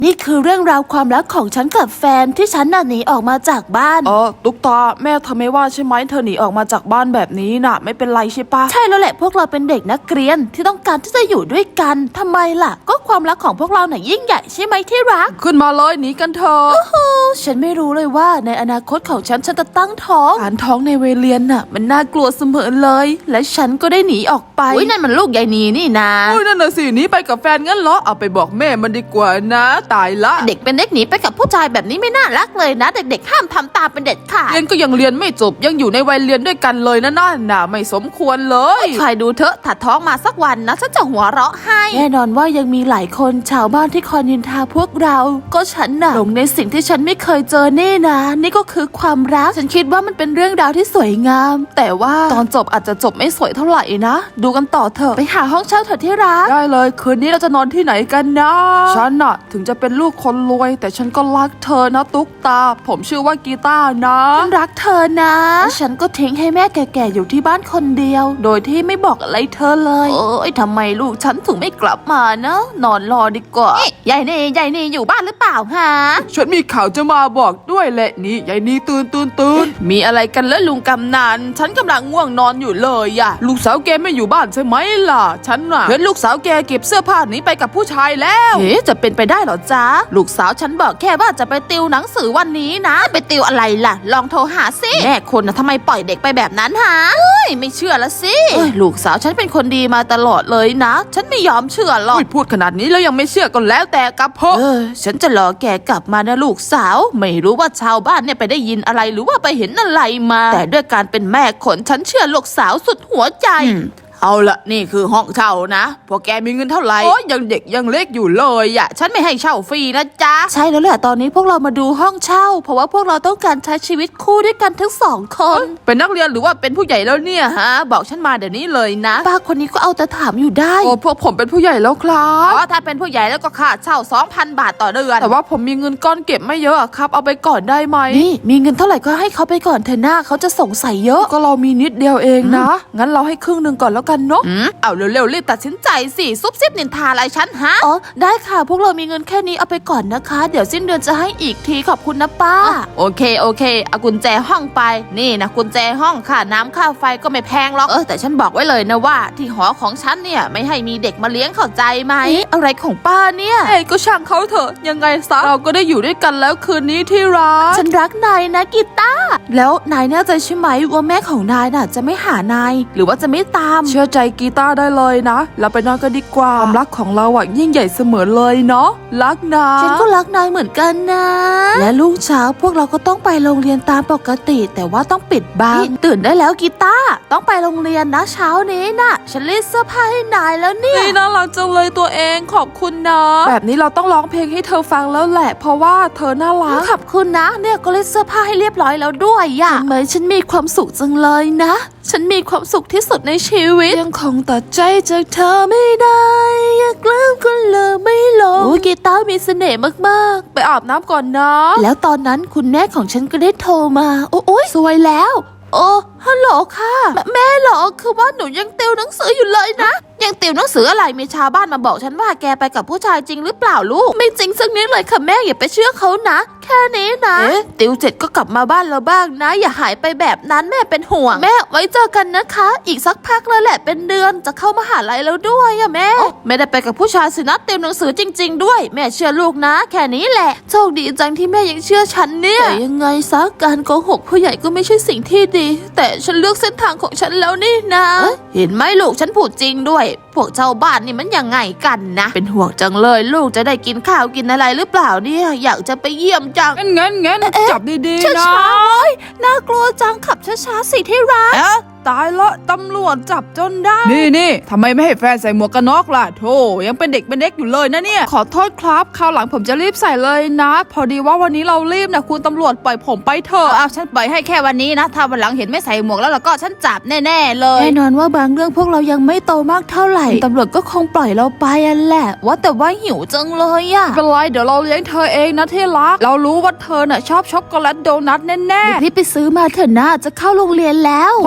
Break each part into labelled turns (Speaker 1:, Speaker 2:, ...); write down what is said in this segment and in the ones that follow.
Speaker 1: นี่คือเรื่องราวความรักของฉันกับแฟนที่ฉันน่ะหนีออกมาจากบ้าน
Speaker 2: ตุ๊กตาแม่เธอไม่ว่าใช่ไหมเธอหนีออกมาจากบ้านแบบนี้น่ะไม่เป็นไรใช่ปะ
Speaker 1: ใช่แล้วแหละพวกเราเป็นเด็กนักเรียนที่ต้องการที่จะอยู่ด้วยกันทำไมล่ะก็ความรักของพวกเราน่ะยิ่งใหญ่ใช่ไหมที่รัก
Speaker 2: ขึ้นมาเลยหนีกันเถอะ
Speaker 1: ฉันไม่รู้เลยว่าในอนาคตของฉันจะตั้งท้องการท้องในวัยเรียนน่ะมันน่ากลัวเสมอเลยและฉันก็ได้หนีออกไปอุ้ยนั่นมันลูกยายนีนี่นะ
Speaker 2: อุ้ยนั่นน่ะสิหนีไปกับแฟนงั้นเหรอเอาไปบอกแม่มันดีกว่านะตายละ
Speaker 1: เด็กเป็นเด็กหนีไปกับผู้ชายแบบนี้ไม่น่ารักเลยนะเด็กๆห้ามทำตามเป็นเด็ดขาด
Speaker 2: เรียนก็ยังเรียนไม่จบยังอยู่ในวัยเรียนด้วยกันเลยนะน่าไม่สมควรเลย
Speaker 1: ใครดูเถอะถัดท้องมาสักวันนะฉันจะหัวเราะให้แน่นอนว่ายังมีหลายคนชาวบ้านที่คอยนินทาพวกเราก็ฉันน่ะหลงในสิ่งที่ฉันไม่เคยเจอนี่นะนี่ก็คือความรักฉันคิดว่ามันเป็นเรื่องราวที่สวยงามแต่ว่าตอนจบอาจจะจบไม่สวยเท่าไหร่นะดูกันต่อเถอะไปหาห้องเช่าเถอะที่รัก
Speaker 2: ได้เลยคืนนี้เราจะนอนที่ไหนกันนะฉันน่ะถึงจะเป็นลูกคนรวยแต่ฉันก็รักเธอนะตุ๊กตาผมชื่อว่ากีตาร์นะ
Speaker 1: ฉันรักเธอนะฉันก็ทิ้งให้แม่แก่ๆอยู่ที่บ้านคนเดียวโดยที่ไม่บอกอะไรเธอเลยทำไมลูกฉันถึงไม่กลับมานะนอนรอดีกว่ายายนี่อยู่บ้านหรือเปล่าฮะ
Speaker 2: ฉันมีข่าวจะมาบอกด้วยแหละนี่ยายนี่ตื่น
Speaker 1: มีอะไรกันแล้วลุงกำนันฉันกำลังง่วงนอนอยู่เลยอะ
Speaker 2: ลูกสาวแกไม่อยู่บ้านใช่ไหมล่ะฉันน่ะเห็นลูกสาวแกเก็บเสื้อผ้าหนีไปกับผู้ชายแล้ว
Speaker 1: จะเป็นไปได้เหรอจ๊ะลูกสาวฉันบอกแค่ว่าจะไปติวหนังสือวันนี้นะไปติวอะไรล่ะลองโทรหาสิแม่คนนะทำไมปล่อยเด็กไปแบบนั้นฮะไม่เชื่อละสิลูกสาวฉันเป็นคนดีมาตลอดเลยนะฉันไม่ยอมเชื่อหรอก
Speaker 2: พูดขนาดนี้แล้วยังไม่เชื่อก็แล้วแต่กับพ่อ
Speaker 1: ฉันจะรอแกกลับมานะลูกสาวไม่รู้ว่าชาวบ้านเนี่ยไปได้ยินอะไรหรือว่าไปเห็นอะไรมาแต่ด้วยการเป็นแม่คนฉันเชื่อลูกสาวสุดหัวใจ
Speaker 2: เอาละนี่คือห้องเช่านะพวกแกมีเงินเท่าไหร่โอ้ยยังเด็กยังเล็กอยู่เลยอ่ะฉันไม่ให้เช่าฟรีนะจ๊ะ
Speaker 1: ใช่แล้วแหละตอนนี้พวกเรามาดูห้องเช่าเพราะว่าพวกเราต้องการใช้ชีวิตคู่ด้วยกันทั้งสองคน
Speaker 2: เป็นนักเรียนหรือว่าเป็นผู้ใหญ่แล้วเนี่ยฮะบอกฉันมาเดี๋ยวนี้เลยนะ
Speaker 1: ป้าคนนี้ก็เอาแต่ถามอยู่ได้
Speaker 2: โอ้พวกผมเป็นผู้ใหญ่แล้วครับ
Speaker 1: ถ้าเป็นผู้ใหญ่แล้วก็ค่าเช่า 2,000 บาทต่อเดือน
Speaker 2: แต่ว่าผมมีเงินก้อนเก็บไม่เยอะครับเอาไปก่อนได้ไหม
Speaker 1: นี่มีเงินเท่าไหร่ก็ให้เขาไปก่อนเถอะหน้าเขาจะสงสัยเยอะ
Speaker 2: ก็เรามีนิดเดียวเองนะงั้นเราให้ครึ่งนึงก่อนแล้วกันเนาะ
Speaker 1: เอาเร็วๆรีบตัดสินใจสิซุบซิบนินทาอะไรฉันฮะได้ค่ะพวกเรามีเงินแค่นี้เอาไปก่อนนะคะเดี๋ยวสิ้นเดือนจะให้อีกทีขอบคุณนะป้าโอเคเอากุญแจห้องไปนี่นะกุญแจห้องค่ะน้ำค่าไฟก็ไม่แพงหรอกแต่ฉันบอกไว้เลยนะว่าที่หอของฉันเนี่ยไม่ให้มีเด็กมาเลี้ยงเข้าใจไหมอะไรของป้าเนี่ย
Speaker 2: ก็ช่างเขาเถอะยังไงซะเราก็ได้อยู่ด้วยกันแล้วคืนนี้ที่รัก
Speaker 1: ฉันรักนายนะกีตาร์แล้วนายแน่ใจใช่ไหมว่าแม่ของนายน่ะจะไม่หานายหรือว่าจะไม่ตาม
Speaker 2: เชื่อใจกีตาร์ได้เลยนะเราไปนอนกันดีกว่าความรักของเราอ่ะยิ่งใหญ่เสมอเลยเนาะรักนะ
Speaker 1: ฉันก็รักนายเหมือนกันนะและรุ่งเช้าพวกเราก็ต้องไปโรงเรียนตามปกติแต่ว่าต้องปิดบังตื่นได้แล้วกีตาร์ต้องไปโรงเรียนนะเช้านี้นะฉันรีดเสื้อผ้าให้นายแล้วเนี่ย
Speaker 2: น่ารักจังเลยตัวเองขอบคุณนะแบบนี้เราต้องร้องเพลงให้เธอฟังแล้วแหละเพราะว่าเธอน่ารัก
Speaker 1: ขอบคุณนะเนี่ยก็รีดเสื้อผ้าให้เรียบร้อยแล้วด้วยอะทำไมฉันมีความสุขจังเลยนะฉันมีความสุขที่สุดในชีวิต
Speaker 2: ยังคงตัดใจจากเธอไม่ได้
Speaker 1: อยากลืมก็ลืมไม่ลงกีตาร์มีเสน่ห์มาก
Speaker 2: ๆไปอาบน้ำก่อนนะ
Speaker 1: แล้วตอนนั้นคุณแม่ของฉันก็ได้โทรมาโอ้ยสวยแล้วฮัลโหลค่ะแม่เหรอคือว่าหนูยังติวหนังสืออยู่เลยนะยังติวหนังสืออะไรมีชาวบ้านมาบอกฉันว่าแกไปกับผู้ชายจริงหรือเปล่าลูกไม่จริงสักนิดเลยค่ะแม่อย่าไปเชื่อเขานะแค่นี้นะติวเสร็จก็กลับมาบ้านเราบ้างนะอย่าหายไปแบบนั้นแม่เป็นห่วงแม่ไว้เจอกันนะคะอีกสักพักแล้วแหละเป็นเดือนจะเข้ามหาลัยแล้วด้วยอะแม่ไม่ได้ไปกับผู้ชายสินะติวหนังสือจริงๆด้วยแม่เชื่อลูกนะแค่นี้แหละโชคดีจังที่แม่ยังเชื่อฉันเนี่ยแต่ยังไงซะการโกหกผู้ใหญ่ก็ไม่ใช่สิ่งที่ดีแต่ฉันเลือกเส้นทางของฉันแล้วนี่นะเห็นไหมลูกฉันพูดจริงด้วยพวกชาวบ้านนี่มันยังไงกันนะเป็นห่วงจังเลยลูกจะได้กินข้าวกินอะไรหรือเปล่าเนี่ยอยากจะไปเยี่ยมจัง
Speaker 2: งั้นจับดีๆนะ
Speaker 1: ช้าๆน่ากลัวจังขับช้าๆสิที่รัก
Speaker 2: ตายละตำรวจจับจนได้นี่ทำไมไม่ให้แฟนใส่หมวกกันน็อกล่ะโธ่ยังเป็นเด็กอยู่เลยนะเนี่ยขอโทษครับคราวหลังผมจะรีบใส่เลยนะพอดีว่าวันนี้เรารีบนะคุณตำรวจปล่อยผมไปเถอะ
Speaker 1: ฉันปล่อยให้แค่วันนี้นะถ้าวันหลังเห็นไม่ใส่หมวกแล้วก็ฉันจับแน่ๆเลยแน่นอนว่าบางเรื่องพวกเรายังไม่โตมากเท่าไหร่ตำรวจก็คงปล่อยเราไปแหละว่าแต่ว่าหิวจังเลยอะ
Speaker 2: เป็นไรเดี๋ยวเราเลี้ยงเธอเองนะที่รักเรารู้ว่าเธอน่ะชอบช็อกโกแลตโดนัทแน่
Speaker 1: ๆรีบไปซื้อมาเถอะนะจะเข้าโรงเรียนแล้ว
Speaker 2: ผมเอาช็อก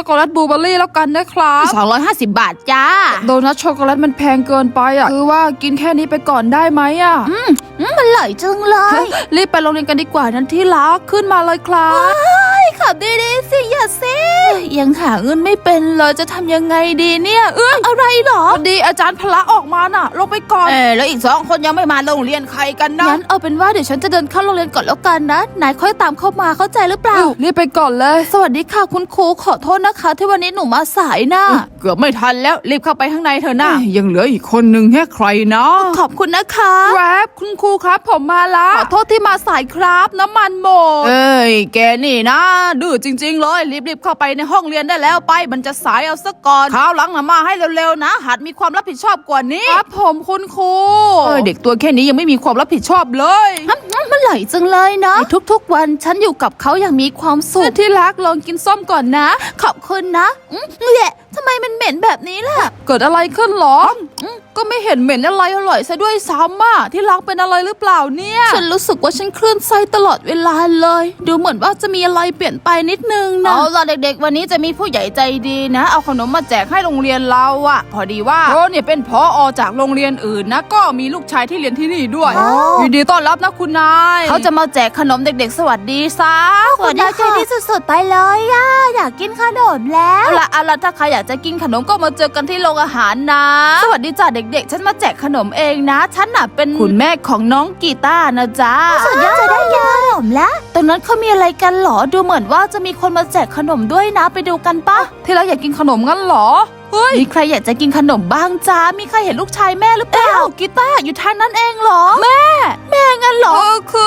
Speaker 2: อกโกแลตบลูเบอร์รี่แล้วกันนะครับ
Speaker 1: 250 บาทจ้า
Speaker 2: โดนัทช็อกโกแลตมันแพงเกินไปอ่ะคือว่ากินแค่นี้ไปก่อนได้ไหมอ่ะ
Speaker 1: มันอร่อยจังเลย
Speaker 2: รีบไปโรงเรียนกันดีกว่านั้นที่รักขึ้นมาเลยครับ
Speaker 1: ขับดีๆสิอย่าซิยังหาเงินไม่เป็นเลยจะทำยังไงดีเนี่ยอะไรหรอ
Speaker 2: พอดีอาจารย์พละออกมาน่ะลงไปก่อน
Speaker 1: แล้วอีก2 คนยังไม่มาโรงเรียนใครกันนะงั้นเอาเป็นว่าเดี๋ยวฉันจะเดินเข้าโรงเรียนก่อนแล้วกันนะนายค่อยตามเข้ามาเข้าใจหรือเปล่า
Speaker 2: รีบไปก่อนเลย
Speaker 1: สวัสดีค่ะคุณครูขอโทษนะคะ ที่วันนี้หนูมาสายนะ
Speaker 2: เกือบไม่ทันแล้วรีบเข้าไปข้างในเถอะนะยังเหลืออีกคนนึงแค่ใครนะ
Speaker 1: ขอบคุณนะคะ
Speaker 2: ครับคุณครูครับผมมาละขอโทษที่มาสายครับน้ำมันหมดแกนี่นะดื้อจริงๆเลยรีบเข้าไปในห้องเรียนได้แล้วไปมันจะสายเอาซะก่อนคราวหลังนะมาให้เร็วๆนะหัดมีความรับผิดชอบกว่านี้ครับผมคุณครูเด็กตัวแค่นี้ยังไม่มีความรับผิดชอบเลย
Speaker 1: มันอร่อยจังเลยนะทุกๆวันฉันอยู่กับเขาอย่างมีความสุข
Speaker 2: ที่รักลองกินส้มก่อนนะ
Speaker 1: ขอบคุณนะแหละทำไมมันเหม็นแบบนี้ล่ะ
Speaker 2: เกิดอะไรขึ้นหรอก็ไม่เห็นเหม็นอะไรอร่อยซะด้วยซ้ำอ่ะที่รักเป็นอะไรหรือเปล่าเนี่ย
Speaker 1: ฉันรู้สึกว่าฉันคลื่นไส้ตลอดเวลาเลย ดูเหมือนว่าจะมีอะไรเปลี่ยนไปนิดนึงนะ
Speaker 2: เอาล่ะเด็กๆวันนี้จะมีผู้ใหญ่ใจดีนะเอาขนมมาแจกให้โรงเรียนเราอ่ะพอดีว่าเนี่ยเป็นผอ.จากโรงเรียนอื่นนะก็มีลูกชายที่เรียนที่นี่ด้วยยินดีต้อนรับนะคุณนายเขาจะมาแจกขนมเด็กๆสวัสดีซะ
Speaker 1: คุณนายใจดีสุดๆไปเลยอ่ะอยากกินขนมแล้ว
Speaker 2: เอาล่ะถ้าใครอยากจะกินขนมก็มาเจอกันที่โรงอาหารนะสวัสดีจ้าเด็กๆฉันมาแจกขนมเองนะฉันน่ะเป็นคุณแม่ของน้องกีตาร์นะจ๊ะ
Speaker 1: สุดยอดจะได้กินขนมแล้วตรงนั้นเขามีอะไรกันหรอดูเหมือนว่าจะมีคนมาแจกขนมด้วยนะไปดูกันปะ
Speaker 2: ที่รักอยากกินขนมงั้นเหรอเฮ้ย
Speaker 1: มีใครอยากจะกินขนมบ้างจ้ามีใครเห็นลูกชายแม่หรือเปล่ากีตาร์อยู่ทางนั้นเองเหรอแม่งั้นเหรอ
Speaker 2: คือน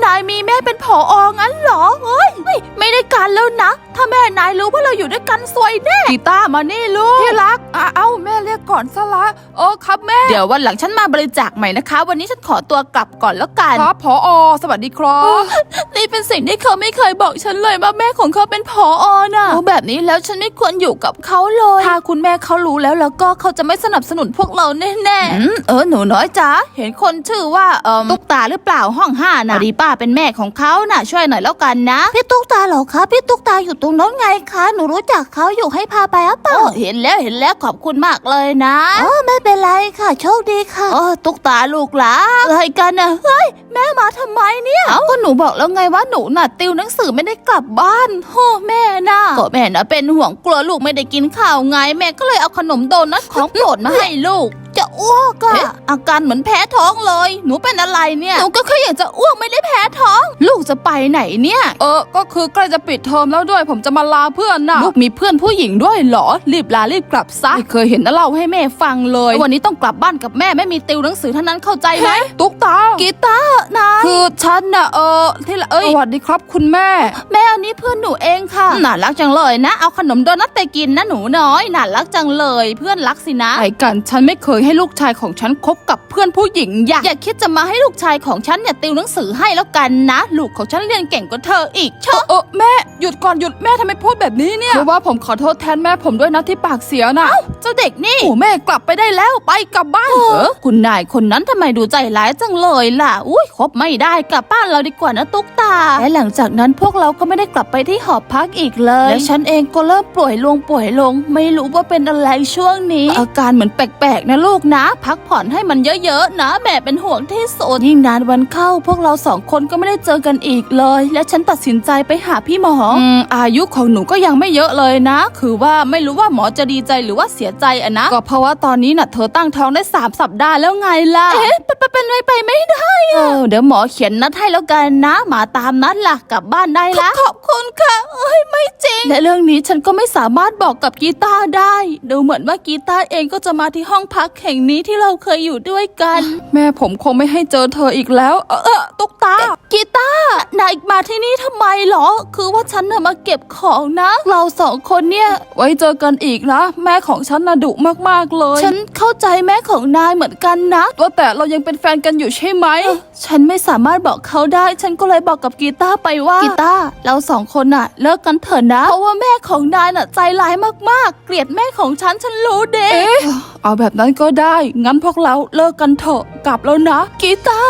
Speaker 1: ายมีแม่เป็นผอ.งั้นเหรอเฮ้ยไม่ได้การแล้วนะถ้าแม่นายรู้ว่าเราอยู่ด้วยกันซวยแน่
Speaker 2: กีตาร์มานี่ลูกที่รักเอ้าแม่เรียกก่อนซะละครับแม่
Speaker 1: เดี๋ยววันหลังฉันมาบริจาคใหม่นะคะ วันนี้ฉันขอตัวกลับก่อนแล้วกัน
Speaker 2: ครับผอ.สวัสดีครับ
Speaker 1: นี่เป็นสิ่งที่เขาไม่เคยบอกฉันเลยว่าแม่ของเขาเป็นผอ.น่ะแบบนี้แล้วฉันไม่ควรอยู่กับเขาเลยถ้าคุณแม่เขารู้แล้วก็เขาจะไม่สนับสนุนพวกเราแน่ๆหนูน้อยจ๋าเห็นคนชื่อว่าตุ๊กตาหรือเปล่าห้อง5น่ะดีป้าเป็นแม่ของเขาน่ะช่วยหน่อยแล้วกันนะพี่ตุ๊กตาเหรอคะพี่ตุ๊กตาอยู่ตรงนั้นไงคะหนูรู้จักเขาอยู่ให้พาไปอ่ะเปล่าเห็นแล้วขอบคุณมากเลยนะไม่เป็นไรค่ะโชคดีค่ะตุ๊กตาลูกหลานอะไรกันน่ะเฮ้ยแม่มาทำไมเนี่ยก็หนูบอกแล้วไงว่าหนูน่ะติวหนังสือไม่ได้กลับบ้านโอ้แม่น่ะก็แม่น่ะเป็นห่วงกลัวลูกไม่ได้กินข้าวไงแม่ก็เลยเอาขนมโดนัทของโปรดมาให้ลูกจะอ้วกอะอาการเหมือนแพ้ท้องเลยหนูเป็นอะไรเนี่ยหนูก็แค่อยากจะอ้วกไม่ได้แพ้ท้อง ลูกจะไปไหนเนี่ย
Speaker 2: ก็คือใกล้จะปิดเทอมแล้วด้วยผมจะมาลาเพื่อนน่ะ
Speaker 1: ลูกมีเพื่อนผู้หญิงด้วยเหรอรีบลารีบกลับซะไม่เคยเห็นนะเล่าให้แม่ฟังเลยวันนี้ต้องกลับบ้านกับแม่ไม่มีติวหนังสือเท่านั้นเข้าใจไหม
Speaker 2: ตุ๊กตา
Speaker 1: กีตาร์นาย
Speaker 2: คือฉันน่ะที่ละสวัสดีครับคุณแม่
Speaker 1: อันนี้เพื่อนหนูเองค่ะน่ารักจังเลยนะเอาขนมโดนัทไปกินนะหนูน้อยน่ารักจังเลยเพื่อนรักสินะ
Speaker 2: ไอ้กันฉันไม่เคยให้ลูกชายของฉันคบกับเพื่อนผู้หญิง
Speaker 1: อย่าคิดจะมาให้ลูกชายของฉันเนี่ยติวหนังสือให้แล้วกันนะลูกของฉันเรียนเก่งกว่าเธออีกเชอะ
Speaker 2: แม่หยุดก่อนหยุดแม่ทำไมพูดแบบนี้เนี่ยคือว่าผมขอโทษแทนแม่ผมด้วยนะที่ปากเสียนะ
Speaker 1: เจ้าเด็กนี่
Speaker 2: โอ้แม่กลับไปได้แล้วไปกลับบ้าน
Speaker 1: คุณนายคนนั้นทำไมดูใจร้ายจังเลยล่ะอุ้ยคบไม่ได้กลับบ้านเราดีกว่านะตุ๊กตาและหลังจากนั้นพวกเราก็ไม่ได้กลับไปที่หอพักอีกเลยและฉันเองก็เริ่มป่วยลงไม่รู้ว่าเป็นอะไรช่วงนี้อาการเหมือนแปลกๆนะลูกนะพักผ่อนให้มันเยอะๆนะแม่เป็นห่วงที่สุดยิ่งนานวันเข้าพวกเรา2 คนก็ไม่ได้เจอกันอีกเลยและฉันตัดสินใจไปหาพี่หมอ
Speaker 2: อายุของหนูก็ยังไม่เยอะเลยนะคือว่าไม่รู้ว่าหมอจะดีใจหรือว่าเสียใจอะนะก็เพราะว่าตอนนี้น่ะเธอตั้งท้องได้3 สัปดาห์แล้วไงล่ะ
Speaker 1: เป็นไปไม่ได้เดี๋ยวหมอเขียนนัดให้แล้วกันนะมาตามนัดล่ะกลับบ้านได้ละขอบคุณค่ะไม่จริงและเรื่องนี้ฉันก็ไม่สามารถบอกกับกีตาร์ได้ดูเหมือนว่ากีตาร์เองก็จะมาที่ห้องพักแห่งนี้ที่เราเคยอยู่ด้วยกัน
Speaker 2: แม่ผมคงไม่ให้เจอเธออีกแล้วตุ๊กตา
Speaker 1: กีตาร์นายมาที่นี่ทำไมหรอคือว่าฉันน่ะมาเก็บของนะเรา2 คนเนี่ย
Speaker 2: ไว้เจอกันอีกนะแม่ของฉันน่ะดุมากๆเลย
Speaker 1: ฉันเข้าใจแม่ของนายเหมือนกันนะ
Speaker 2: ว่าแต่เรายังเป็นแฟนกันอยู่ใช่ไหม
Speaker 1: ฉันไม่สามารถบอกเขาได้ฉันก็เลยบอกกับกีตาร์ไปว่ากีตาร์เรา2 คนน่ะเลิกกันเถอะนะเพราะว่าแม่ของนายน่ะใจร้ายมากๆเกลียดแม่ของฉันรู้เด็
Speaker 2: เอาแบบนั้นก็ได้งั้นพวกเราเลิกกันเถอะกลับแล้วนะ
Speaker 1: กีตาร์ฉ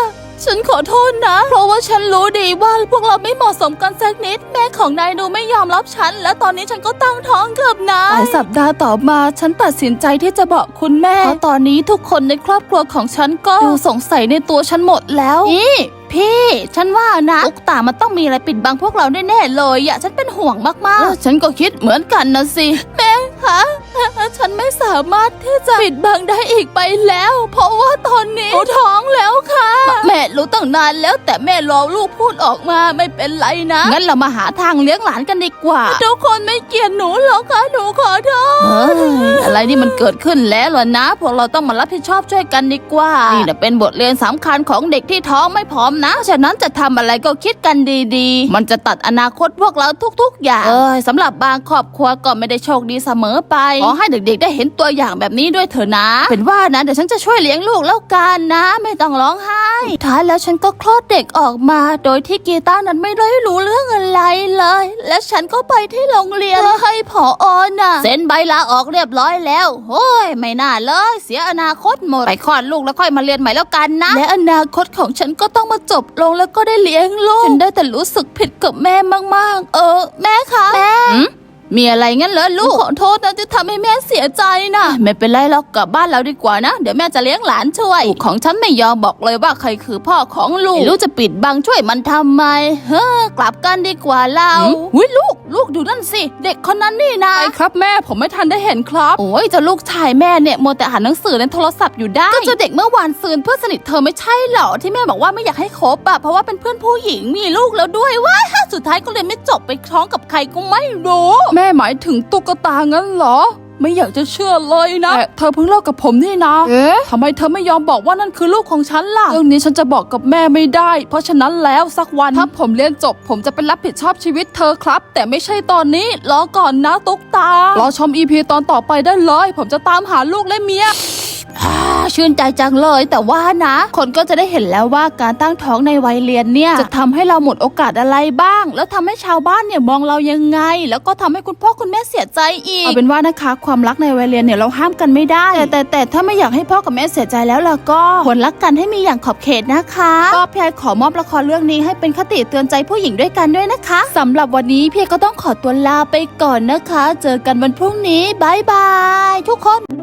Speaker 1: ฉันขอโทษนะเพราะว่าฉันรู้ดีว่าพวกเราไม่เหมาะสมกันสักนิดแม่ของนายดูไม่ยอมรับฉันและตอนนี้ฉันก็ตั้งท้องกับนายหลายสัปดาห์ต่อมาฉันตัดสินใจที่จะบอกคุณแม่เพราะตอนนี้ทุกคนในครอบครัวของฉันก็ดูสงสัยในตัวฉันหมดแล้วนี่พี่ฉันว่านะตุ๊กตามันต้องมีอะไรปิดบังพวกเราแน่ๆเลยอะฉันเป็นห่วงมากๆฉันก็คิดเหมือนกันนะสิแม่คะฉันไม่สามารถที่จะปิดบังได้อีกไปแล้ว เพราะว่าตอนนี้หนูท้องแล้วค่ะแม่รู้ตั้งนานแล้วแต่แม่รอลูกพูดออกมาไม่เป็นไรนะงั้นเรามาหาทางเลี้ยงหลานกันดีกว่าทุกคนไม่เกลียดหนูหรอกค่ะหนูขอโทษอะไรนี่มันเกิดขึ้นแล้วล่ะนะพวกเราต้องมารับผิดชอบช่วยกันดีกว่านี่นะเป็นบทเรียนสำคัญของเด็กที่ท้องไม่พร้อมนะฉะนั้นจะทำอะไรก็คิดกันดีๆมันจะตัดอนาคตพวกเราทุกๆอย่างสำหรับบางครอบครัวก็ไม่ได้โชคดีเสมอไปขอให้เด็กๆได้เห็นตัวอย่างแบบนี้ด้วยเถอะนะเป็นว่านะเดี๋ยวฉันจะช่วยเลี้ยงลูกแล้วกันนะไม่ต้องร้องไห้สุดท้ายแล้วฉันก็คลอดเด็กออกมาโดยที่กีตาร์นั้นไม่ได้รู้เรื่องอะไรเลยและฉันก็ไปที่โรงเรียนเพื่อให้ผอ.น่ะเซ็นใบลาออกเรียบร้อยแล้วโอ้ยไม่น่าเลยเสียอนาคตหมดไปคลอดลูกแล้วค่อยมาเรียนใหม่แล้วกันนะและอนาคตของฉันก็ต้องมาจบลงแล้วก็ได้เลี้ยงลูกฉันได้แต่รู้สึกผิดกับแม่มากๆแม่คะแม่มีอะไรงั้นเหรอลูกขอโทษนะที่ทำให้แม่เสียใจนะไม่เป็นไรหรอกกลับบ้านเราดีกว่านะเดี๋ยวแม่จะเลี้ยงหลานช่วยลูกของฉันไม่ยอมบอกเลยว่าใครคือพ่อของลูกไม่รู้จะปิดบังช่วยมันทำไมกลับกันดีกว่าเราอุ้ยลูกดูนั่นสิเด็กคนนั้นนี่นะ
Speaker 2: ใช่ครับแม่ผมไม่ทันได้เห็นครับ
Speaker 1: โอ้ยจะลูกชายแม่เนี่ยมัวแต่อ่านหนังสือในโทรศัพท์อยู่ได้ก็จะเด็กเมื่อวานซืนเพื่อนสนิทเธอไม่ใช่เหรอที่แม่บอกว่าไม่อยากให้คบอะเพราะว่าเป็นเพื่อนผู้หญิงมีลูกแล้วด้วยว้ายสุดท้ายก็เลยไม่จบไปท้องกับใครก็ไม่รู้
Speaker 2: แม่หมายถึงตุ๊กตางั้นเหรอไม่อยากจะเชื่อเลยนะแต่เธอเพิ่งเลิกกับผมนี่นะทำไมเธอไม่ยอมบอกว่านั่นคือลูกของฉันล่ะเรื่องนี้ฉันจะบอกกับแม่ไม่ได้เพราะฉะนั้นแล้วสักวันถ้าผมเรียนจบผมจะไปรับผิดชอบชีวิตเธอครับแต่ไม่ใช่ตอนนี้รอก่อนนะตุ๊กตารอชม EP ตอนต่อไปได้เลยผมจะตามหาลูกและเมีย
Speaker 1: ชื่นใจจังเลยแต่ว่านะคนก็จะได้เห็นแล้วว่าการตั้งท้องในวัยเรียนเนี่ยจะทำให้เราหมดโอกาสอะไรบ้างแล้วทำให้ชาวบ้านเนี่ยมองเรายังไงแล้วก็ทำให้คุณพ่อคุณแม่เสียใจอีกเอาเป็นว่านะคะความรักในวัยเรียนเนี่ยเราห้ามกันไม่ได้แต่ถ้าไม่อยากให้พ่อกับแม่เสียใจแล้วล่ะก็ควรรักกันให้มีอย่างขอบเขตนะคะก็พี่ไอขอมอบละครเรื่องนี้ให้เป็นคติเตือนใจผู้หญิงด้วยกันด้วยนะคะสำหรับวันนี้พี่ก็ต้องขอตัวลาไปก่อนนะคะเจอกันวันพรุ่งนี้บ๊ายบายทุกคน